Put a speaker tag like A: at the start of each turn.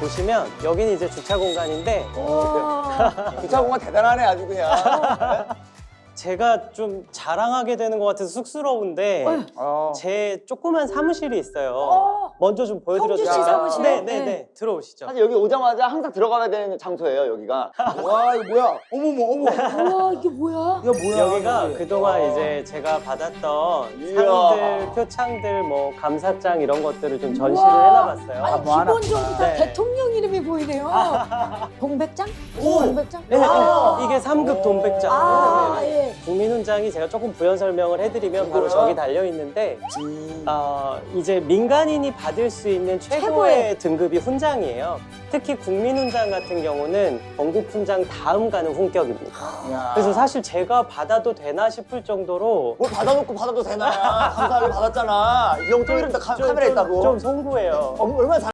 A: 보시면 여기는 이제 주차 공간인데
B: 주차 공간 대단하네 아주 그냥.
A: 제가 좀 자랑하게 되는 것 같아서 쑥스러운데 제 조그만 사무실이 있어요. 먼저 좀 보여드려도
C: 형주 씨
A: 될까요?
C: 사무실?
A: 네. 들어오시죠.
B: 사실 여기 오자마자 항상 들어가야 되는 장소예요 여기가. 와 이거 뭐야? 어머머 어머.
C: 우와 이게 뭐야?
B: 이거 뭐야?
A: 여기가
B: 여기.
A: 그동안 이제 제가 받았던
B: 이야.
A: 상들, 표창들, 뭐 감사장 이런 것들을 좀 전시를
C: 우와.
A: 해놔봤어요.
C: 아니
B: 뭐 하나?
C: 기본적으로 다
A: 네.
C: 대통령 이름이 보이네요. 동백장? 동백장?
A: 네,
C: 아.
A: 이게 3급 돈백장.
C: 아,
A: 네.
C: 예.
A: 국민훈장이 제가 조금 부연 설명을 해드리면 바로 저기 달려 있는데 이제 민간인이 받을 수 있는 최고의 등급이 훈장이에요. 특히 국민훈장 같은 경우는 건국훈장 다음 가는 훈격입니다.
B: 야.
A: 그래서 사실 제가 받아도 되나 싶을 정도로
B: 뭘 받아놓고 받아도 되나? 감사하게 받았잖아. 이 형 또 이런데 카메라 있다고.
A: 좀 송구해요.
B: 얼마나 잘.